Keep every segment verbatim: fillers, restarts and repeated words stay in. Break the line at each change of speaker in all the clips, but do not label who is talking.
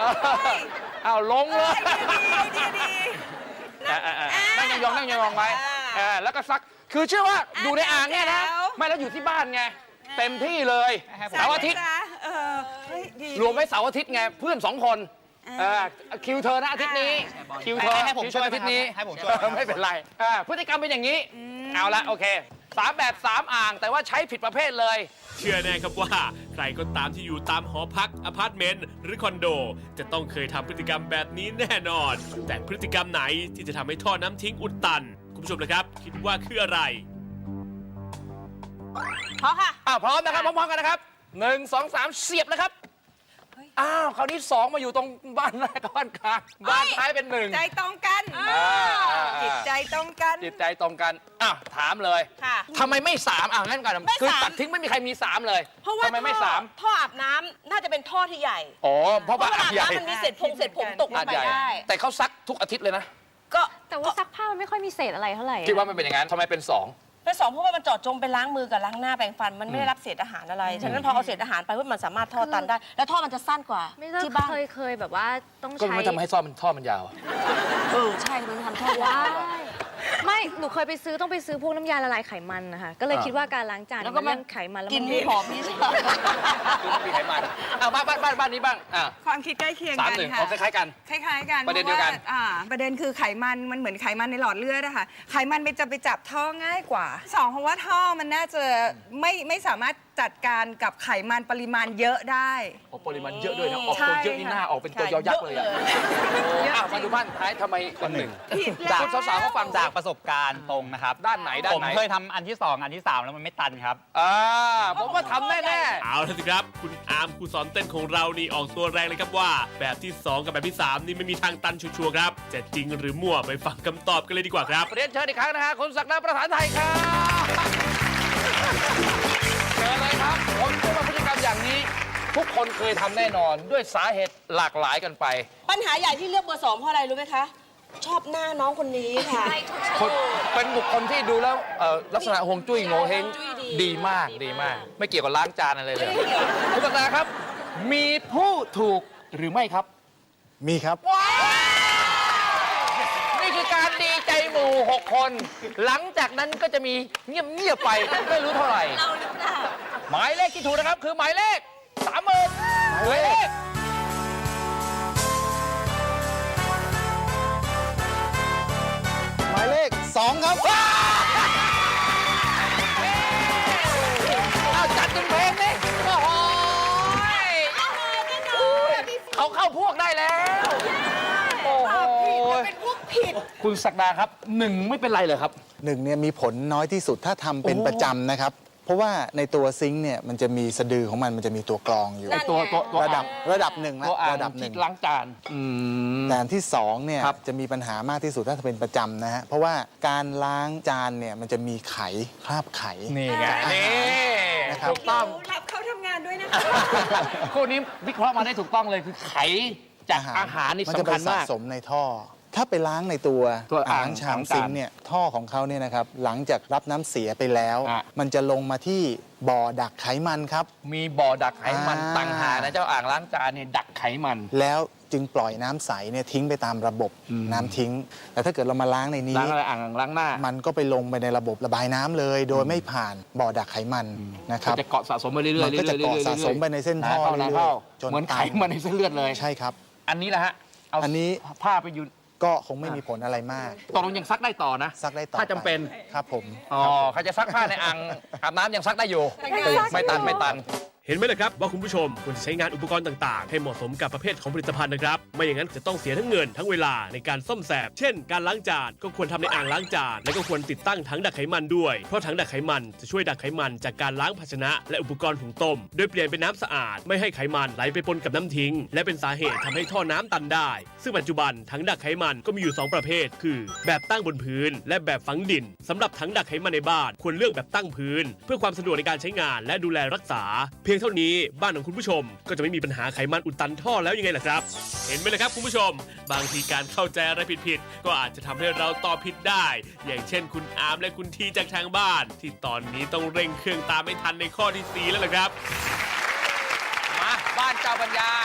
อ้าวลงเลย
ดีดี
นั่งยองนั่งยองไว้แล้วก็ซักคือเชื่อว่าอยู่ในอ่างเนี่ยนะไม่แล้วอยู่ที่บ้านไงเต็มที่เลยเสาร์อาทิตย์รวมไว้เสาร์อาทิตย์ไงเพื่อนสองคนคิวเธอนะอาทิตย์นี้คิวเธอ
ให้ผมช่วย
อาทิตย์นี้
ให้ผมช่วย
ไม่เป็นไรพฤติกรรมเป็นอย่างนี้เอาละโอเคสามแบบสามอ่างแต่ว่าใช้ผิดประเภทเลย
เชื่อแน่ครับว่าใครก็ตามที่อยู่ตามหอพักอพาร์ตเมนต์หรือคอนโดจะต้องเคยทำพฤติกรรมแบบนี้แน่นอนแต่พฤติกรรมไหนที่จะทำให้ท่อน้ำทิ้งอุดตันคุณผู้ชมนะครับคิดว่าคืออะไร
พร้อมค่ะ
อ้าวพร้อมนะครับพร้อมๆกันนะครับหนึ่งสองสามเสียบนะครับอ้าวคราวนี้สองมาอยู่ตรงบ้านแรกกับบ้านกลางบ้านท้ายเป็นหนึ่ง
ใจตรงกันจิตใจตรงกัน
จิตใจตรงกันอ้าวถามเลยทำไมไม่สามอ่ะงั้นก่อนคือตัดทิ้งไม่มีใครมีสามเลย
เพราะว่าทำไมไม่สามท่ออาบน้ำน่าจะเป็นท่อที่ใหญ่
อ๋อเพราะว่า
อาบน้ำมันมีเศษผงเศษผมตกลงไปได้
แต่เขาซักทุกอาทิตย์เลยนะ
ก็แต่ว่าซักผ้ามันไม่ค่อยมีเศษอะไรเท่าไหร่
คิดว่ามันเป็นอย่างนั้นทำไมเป็นสอง
เป็นสองเพราะว่ามันเจาะจงไปล้างมือกับล้างหน้าแปรงฟันมันไม่ได้รับเศษอาหารอะไรฉะนั้นพอเอาเศษอาหารไปว่ามันสามารถท่อตันได้แล้วท่อมันจะสั้นกว่า
ที่บ้านเคยเคยแบบว่าต้องใช้
ก็ไม่ทำให้ท่อมันท่อมันยาว
เออใช่มันทำท่อยาว
ไม่หนูเคยไปซื้อต้องไปซื้อพวกน้ำยาละลายไขมันนะคะก็เลยคิดว่าการล้างจาน
แล้วก็
มันไขมันแล้ว
กินมีหอมมีใช่
มีไขมันอ่าบ้านบ้านบ้านบ้านนี้บ้างอ่า
ความคิดใกล้เคียงกันค่ะ
คล้ายๆกัน
คล้ายๆกัน
ประเด็นเดียวกัน
อ่าประเด็นคือไขมันมันเหมือนไขมันในหลอดเลือดอะค่ะไขมันไปจะไปจับท่อง่ายกว่าสองเพราะว่าท่อมันน่าจะไม่ไม่สามารถจัดการกับไขมันปริมาณเยอะได้
โอ้ปริมาณเยอะด้วยนะออกตัวเยอะนี่หน้าออกเป็นตัวยอยักษ์เลยอ่ะมาดูบ้านท้ายทำไมคนหนึ่งจากสาวๆก็ฟัง
จากประสบการณ์ตรงนะครับ
ด้านไหนด้านไหน
ผมเคยทำอันที่สองอันที่สามแล้วมันไม่ตันครับ
อ่าผมว่าทำแน่
ๆเอาละสิครับคุณอาร์มครูสอนเต้นของเรานี่ออกตัวแรงเลยครับว่าแบบที่สองกับแบบที่สามนี่ไม่มีทางตันชัวร์ครับจะจริงหรือมั่วไปฟังคำตอบกันเลยดีกว่าครับ
เรียนเชิญอีกครั้งนะฮะคุณศักดิ์ประธานไทยครับเชิญเลยครับผมเชื่อว่าพฤติกรรมอย่างนี้ทุกคนเคยทำแน่นอนด้วยสาเหตุหลากหลายกันไป
ปัญหาใหญ่ที่เลือกเบอร์สองเพราะอะไรรู้ไหมคะชอบหน้าน้องคนนี้ค่ะ
เป็นบุคคลที่ดูแล้วลักษณะฮวงจุ้ยโงเฮงดีมากดีมากไม่เกี่ยวกับล้างจานอะไรเลยคุณศักดิ์ครับมีผู้ถูกหรือไม่ครับ
มีครับ
นี่คือการดีใจหมู่หกคนหลังจากนั้นก็จะมีเงียบๆไปไม่รู้เท่าไหร่หมายเลขที่ถูกนะครับคือหมายเลขสามหมื่นหมายเลข
หมายเลขสองครับ
เอาจัดเป็นเพลงนี่โอ้โหเขาเข้าพวกได้แล้วโอ้โห
เป็นพวกผิด
คุณศักดาครับหนึ่งไม่เป็นไรเลยครับ
หนึ่งเนี่ยมีผลน้อยที่สุดถ้าทำเป็นประจำนะครับเพราะว่าในตัวซิงค์เนี่ยมันจะมีสะดือของมันมันจะมีตัวกรองอยู่
ตัวตัว
ระดับระดับหนึ่งนะ
ระดับหนึ่งล้างจาน
แต่ที่สองเนี่ยจะมีปัญหามากที่สุดถ้าเป็นประจำนะฮะเพราะว่าการล้างจานเนี่ยมันจะมีไขคราบไข
นี่ไงนี่
นะครับ
ถูกต้อง
รับเขาทำงานด้วยนะ
คู่นี้วิเคราะห์มาได้ถูกต้องเลยคือไขจากอาหารนี่สำคัญมาก
สะสมในท่อถ้าไปล้างในตัวอ่างชามซิงค์เนี่ยท่อของเขาเนี่ยนะครับหลังจากรับน้ำเสียไปแล้วมันจะลงมาที่บ่อดักไขมันครับ
มีบ่อดักไขมันต่างหากนะเจ้าอ่างล้างจานเนี่ยดักไขมัน
แล้วจึงปล่อยน้ำใสเนี่ยทิ้งไปตามระบบน้ำทิ้งแต่ถ้าเกิดเรามาล้างในนี้
ล้างอะไรอ่างล้างหน้า
มันก็ไปลงไปในระบบระบายน้ำเลยโดยไม่ผ่านบ่อดักไขมันนะครับ
จะเกาะสะสมไปเรื่อยๆ
มันก็จะเกาะสะสมไปในเส้นท่อเรื่อย
ๆจนเหมือนไขมันในเส้นเลือดเลย
ใช่ครับ
อันนี้แหละฮะ
อันนี้
ผ้าไปอยู่
ก็คงไม่มีผลอะไรมาก
ตกลงยังซักได้ต่อนะ
ซักได้ต่อ
ถ้าจำเป็น
ครับผม
อ๋อใครจะซักผ้าในอ่างอาบน้ำยังซักได้อยู่ไม่ตันไม่ตัน
เห็นไหมล่ะครับว่าคุณผู้ชมควรจะใช้งานอุปกรณ์ต่างๆให้เหมาะสมกับประเภทของผลิตภัณฑ์นะครับไม่อย่างนั้นจะต้องเสียทั้งเงินทั้งเวลาในการซ่อมแซมเช่นการล้างจานก็ควรทำในอ่างล้างจานและก็ควรติดตั้งถังดักไขมันด้วยเพราะถังดักไขมันจะช่วยดักไขมันจากการล้างภาชนะและอุปกรณ์หุงต้มโดยเปลี่ยนเป็นน้ำสะอาดไม่ให้ไขมันไหลไปปนกับน้ำทิ้งและเป็นสาเหตุทำให้ท่อน้ำตันได้ซึ่งปัจจุบันถังดักไขมันก็มีอยู่สองประเภทคือแบบตั้งบนพื้นและแบบฝังดินสำหรับถังดักไขมันในบ้านควรเลือกแบบตั้งพื้นเพื่อความสะดวกในการใช้งานและดูแลรักษาเพียงเท่านี้บ้านของคุณผู้ชมก็จะไม่มีปัญหาไขมันอุดตันท่อแล้วยังไงล่ะครับเห็นไหมล่ะครับคุณผู้ชมบางทีการเข้าใจอะไรผิดๆก็อาจจะทำให้เราตอบผิดได้อย่างเช่นคุณอาร์มและคุณทีจากทางบ้านที่ตอนนี้ต้องเร่งเครื่องตามไม่ทันในข้อที่สี่แล้วล่ะครับ
มาบ้านเจ้าปัญญา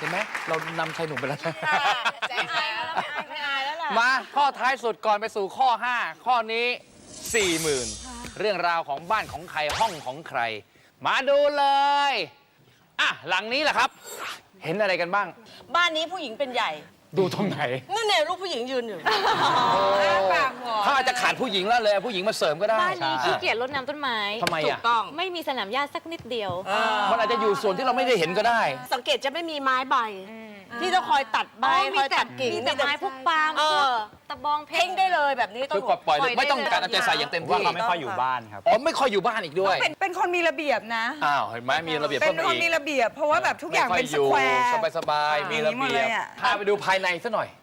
เห็นไหมเรานำชายหนุ่มไปแล้วนะ
ใจหายแล้วไม่อายไม่อายแล้วล่ะ
มาข้อท้ายสุดก่อนไปสู่ข้อ ห้า ข้อนี้ สี่หมื่น เรื่องราวของบ้านของใครห้องของใคร มาดูเลยอ่ะหลังนี้แหละครับ เห็นอะไรกันบ้าง
บ้านนี้ผู้หญิงเป็นใหญ่
ดูตรงไหน
นั่นเนี่ยลูกผู้หญิงยืนอยู่
ปากหวาน
เขาอาจจะขาดผู้หญิงแล้วเลยเอาผู้หญิงมาเสริมก็ได้
บ้านนี้ขี้เกียจรดน้ำต้นไม้
ทำไม
ถู
อ่ะ
กต้อง
ไม่มีสนามหญ้าสักนิดเดียว
มันอาจจะอยู่ส่วนที่เราไม่ได้เห็นก็ได้
สังเกตจะไม่มีไม้ใบ ที่ต้องคอยตัดใบ
อ๋อ
คอยตัดกิ่ง
มีแต่ไม้พวกปาล์ม
เอ
พวก
อ
ตะบองเพ
เพ่งได้เลยแบบนี้ต้อ
คื
ง
อปล่อย
ปล่อย
ไม่ต้อง
ได้เลย
การเอาใจใส่อย่างเต็ม
ว่า
ที่
เขาไม่ค่อยอยู่บ้านครับ
อ๋อไม่ค่อยอยู่บ้านอีกด้วย
เป็นเป็นคนมีระเบียบนะ
อ้าวเห็นไหมมีระเบียบ
เป็
เพิ่
น
มมา
คน
อีก
มีระเบียบ เพราะว่าแบบทุกอย่างเป็นส
ไม่
แคว
ค่อย
ร์
อยู่สบายๆมีระ
อย่างนี้หมด
เบี
เลย ย
บ
อะ
พาไปดูภายในซะหน่อย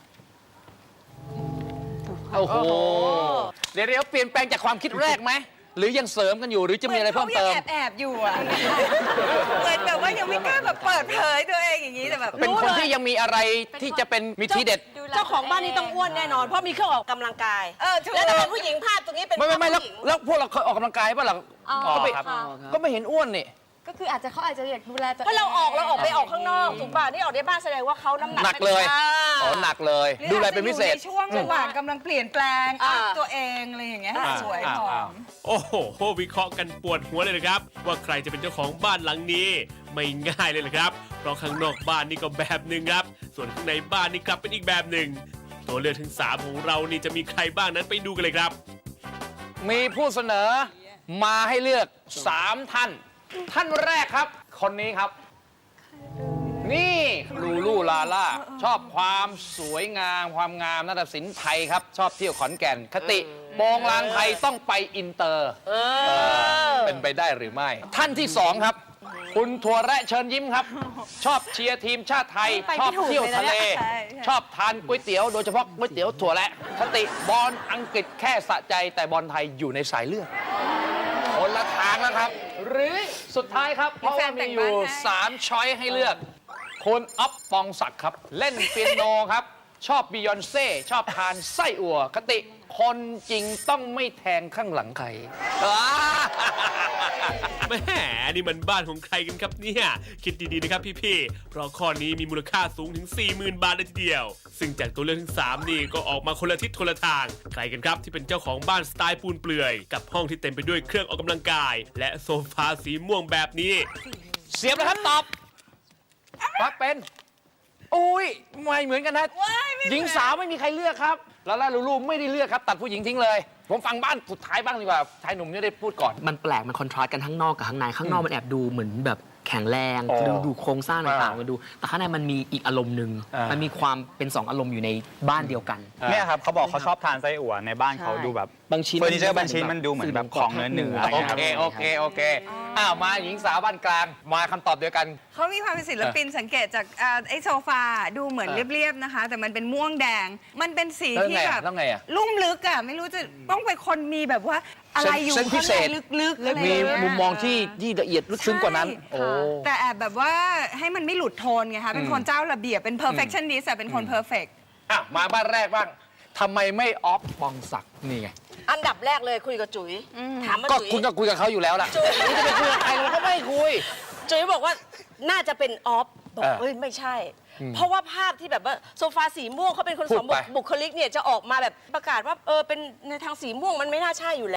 โอ้โหเดี๋ยวเดี๋ยวเปลี่ยนแปลงจากความคิดแรกไหมหรือยังเสริมกันอยู่หรือจะมีอะไรเพิ่มเติม
ขายังแอบๆอยู่อะเหมือนแบบว่ายังไม่กล้าแบบเปิดเผยตัวเองอย่างนี้แต่แบบ
เป็นคนที่ยังมีอะไรที่จะเป็นมีทีเด็ด
เจ้าของบ้านนี้ต้องอ้วนแน่นอน เพราะมีเครื่องออกกำลังกาย
เออถูก
แล้วถ้าเป็นผู้หญิงภาพตรงนี้เป็น
ไม่ไม่ไม่แล้ว
ผู้หญิง
แล้วพวกเราเคยออกกำลังกายป่ะล่ะ
อ๋อ
ก็ไม่
ค่ะ
ก็ไม่เห็นอ้วนนี่
ก็คืออาจจะเขาอาจจะอยากดูแลตัวเอง
เพราะเราออกเราออกไปออกข้างนอกถูกป่ะนี่ออกในบ้านแสดงว่าเขาน้ำหนัก
หนักเลย
อ่า
อ๋อหนักเลย
หรือ
ดูแลเป็นพิเศษ
อาจจะอยู่ในช่วงระหว่างกำลังเปลี่ยนแปลง
อ่า
อัพตัวเองอะไรอย่างเงี้ย
อ่า
สวย
อ่า
หอ
อ่า
ม
โอ้โหวิเคราะห์กันปวดหัวเลยนะครับ ว่าใครจะเป็นเจ้าของบ้านหลังนี้ ไม่ง่ายเลยนะครับ เพราะข้างนอกบ้านนี่ก็แบบหนึ่งครับ ส่วนข้างในบ้านนี่กลับเป็นอีกแบบหนึ่งตัวเลือกถึงสามของเรานี่จะมีใครบ้างนั้นไปดูกันเลยครับ
มีผู้เสนอมาให้เลือกสามท่าน ท่านแรกครับ คนนี้ครับ นี่ลูลูลาล่าชอบความสวยงามความงามนาฏศิลป์ไทยครับ ชอบเที่ยวขอนแก่น คติโปงลางไทยต้องไปอินเตอร์
เออ
เป็นไปได้หรือไม่ ท่านที่สองครับ คุณถั่วแระเชิญยิ้มครับ ชอบเชียร์ทีมชาติไทย
ไป
ช
ไม่
อบ
ถูก
เที่ยวทะเล
เลยนะใช่ใช่
ชอบทานก๋วยเตี๋ยวโดยเฉพาะก๋วยเตี๋ยวถั่วแระคติบอลอังกฤษแค่สะใจแต่บอลไทยอยู่ในสายเลือดคนละทางแล้วครับ หรือสุดท้ายครับ เพราะว่ามีอยู่สามช้อยให้เลือกคุณอ๊อฟปองศักดิ์ครับ เล่นเปียโนครับ ชอบบิยอนเซ่ชอบทานไส้อั่วคติคนจริงต้องไม่แทงข้างหลังใครอ่า
แหม่นี่มันบ้านของใครกันครับเนี่ยคิดดีๆนะครับพี่ๆเพราะข้อนี้มีมูลค่าสูงถึง สี่หมื่น บาทเลยทีเดียว ซึ่งจากตัวเลือกทั้งสามนี่ก็ออกมาคนละทิศคนละทางใครกันครับที่เป็นเจ้าของบ้านสไตล์ปูนเปลื่อยกับห้องที่เต็มไปด้วยเครื่องออกกำลังกาย และโซฟาสีม่วงแบบนี้
เสียบแล้วครับตอบว่าเป็นอุ้ยไม่เหมือนกันนะ
ว้ายไม่เหมือน
หญิงสาวไม่มีใครเลือกครับลาล่าลูลูไม่ได้เลือกครับ ตัดผู้หญิงทิ้งเลย ผมฟังบ้านสุดท้ายบ้างดีกว่าชายหนุ่มนี่ได้พูดก่อน
มันแปลก มันคอนทราสต์กันข้างนอกกับข้างใน ข้างนอกมันแอบดูเหมือนแบบแข็งแรง
อ๋อ
ดูดูโครงสร้างต่าง
อ่า
ๆมันดู แต่ข้างในมันมีอีกอารมณ์หนึ่ง
อ่ามั
มันมีความเป็นสองอารมณ์อยู่ในบ้านเดียวกัน
เนี่ยครับเขาบอกเขาชอบทานไส้อั่วในบ้านเขา
ใช่
ดูแบบ
บางชิ้น
เฟอร์นิเจอร์บางชิ้นมันดูเหมือนแบบของเนื้อเนื้ออะไร
โอ
เงี้ยครับ
เคโอเคโอเคอ้าวมาหญิงสาวบ้านกลางมาคำตอบเดียวกัน
เขามีความเป็นศิลปินสังเกตจากอ่าไอ้โซฟาดูเหมือน
เออ
เรียบๆนะคะ แต่มันเป็นม่วงแดง มันเป็นสี
แล้ว
ที่
ไง
แบ
อะ
บ
แล้วไงอะ
ลุ่มลึกอ่ะไม่รู้จะต้องเป็นคนมีแบบว่าอะไรอยู่
เส้นพิ
ข้าง
เศ
ใน
ษ
ลึกๆอะไร
มี
อย่างเงี้ย
มุมมองที่ที่ละเอียดลึกซึ้งกว่านั้น
ใช่
โอ้
แต่แอบแบบว่าให้มันไม่หลุดโทนไงคะเป็นคนเจ้าระเบียบเป็น perfectionist อะเป็นคน perfect
อ่ะมาบ้านแรกบ้างทำไมไม่ออฟปองศักดิ์นี่ไง
อันดับแรกเลยคุยกับจุ๋ยถามว่า
ก็
จุ๋ย
คุณก็คุยกับเขาอยู่แล้วล่ะ
จุ๋ย
นี่จะไปคุยกับใครเราก็ไม่คุย
จุ๋ยบอกว่าน่าจะเป็นออฟบอก
เออ
เอ้ยไม่ใช่ เพราะว่าภาพที่แบบว่าโซฟาสีม่วงเขาเป็นคน
พู
ส
ด
อง
ไป
บุคลิกเนี่ยจะออกมาแบบประกาศว่าเออเป็นในทางสีม่วงมันไม่น่าใช่อยู่แล้ว